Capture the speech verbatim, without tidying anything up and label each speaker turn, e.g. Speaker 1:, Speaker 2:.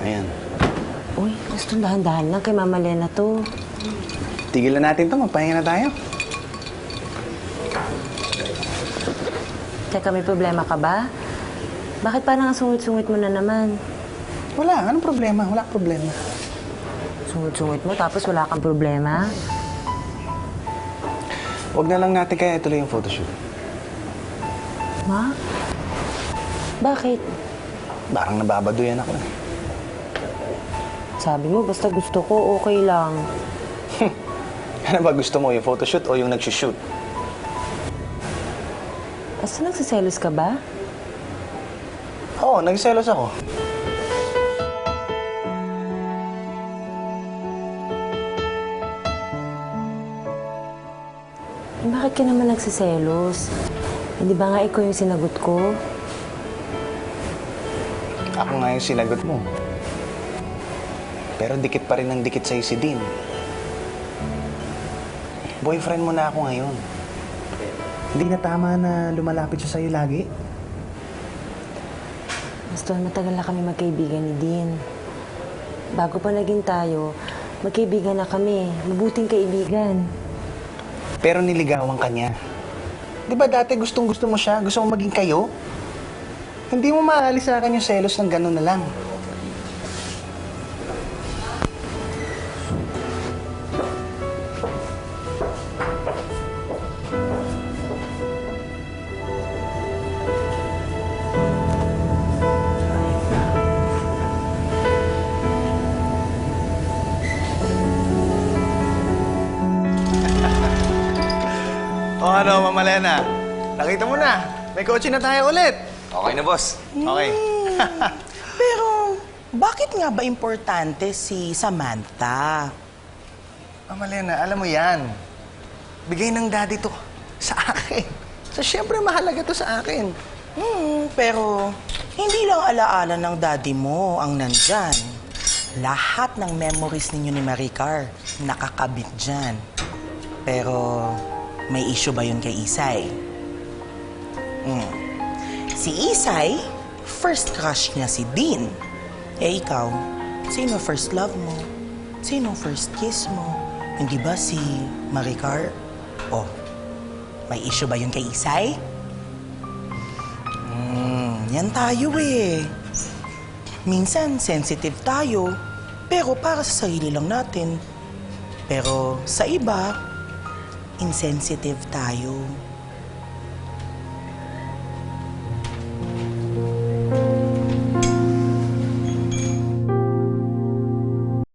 Speaker 1: Ayan.
Speaker 2: Uy, gusto dahan-dahan lang kay Mama Lena to.
Speaker 1: Tigilan natin to. Magpahinga na tayo.
Speaker 2: Teka, may problema ka ba? Bakit parang ang sungit-sungit mo na naman?
Speaker 1: Wala. Anong problema? Wala problema.
Speaker 2: Sungit-sungit mo tapos wala kang problema?
Speaker 1: Huwag na lang natin kaya ituloy yung photoshoot.
Speaker 2: Ma? Bakit?
Speaker 1: Parang nababaduyan ako eh.
Speaker 2: Sabi mo, basta gusto ko, okay lang.
Speaker 1: Ano ba gusto mo? Yung photoshoot o yung nagsushoot?
Speaker 2: Basta nagsiselos ka ba?
Speaker 1: Oo, nagselos ako.
Speaker 2: Eh, bakit ka naman nagsiselos? Hindi ba nga ikaw yung sinagot ko?
Speaker 1: Ako nga yung sinagot mo. Pero dikit pa rin ang dikit sa'yo si Dean. Boyfriend mo na ako ngayon. Hindi na tama na lumalapit siya sa'yo lagi.
Speaker 2: Basta matagal na kami magkaibigan ni Dean. Bago pa naging tayo, magkaibigan na kami. Mabuting kaibigan.
Speaker 1: Pero niligawan ka niya. Di ba dati gustong-gusto mo siya? Gusto mo maging kayo? Hindi mo maalis sa akin yung selos ng gano'n na lang. O ano, Mama Lena? Nakita mo na. May kotse na tayo ulit.
Speaker 3: Okay na, boss.
Speaker 1: Okay.
Speaker 4: Pero, bakit nga ba importante si Samantha?
Speaker 1: Mama Lena, alam mo yan. Bigay ng daddy to sa akin. So, syempre, mahalaga to sa akin.
Speaker 4: Hmm, pero hindi lang alaala ng daddy mo ang nandyan. Lahat ng memories ninyo ni Maricar nakakabit dyan. Pero, may issue ba yun kay Isay? Hmm. Si Isay, first crush niya si Dean. Eh ikaw, sino first love mo? Sino first kiss mo? Hindi ba si Maricar? Oh, may issue ba yun kay Isay? Hmm, yan tayo eh. Minsan, sensitive tayo. Pero para sa sarili lang natin. Pero sa iba, insensitive tayo.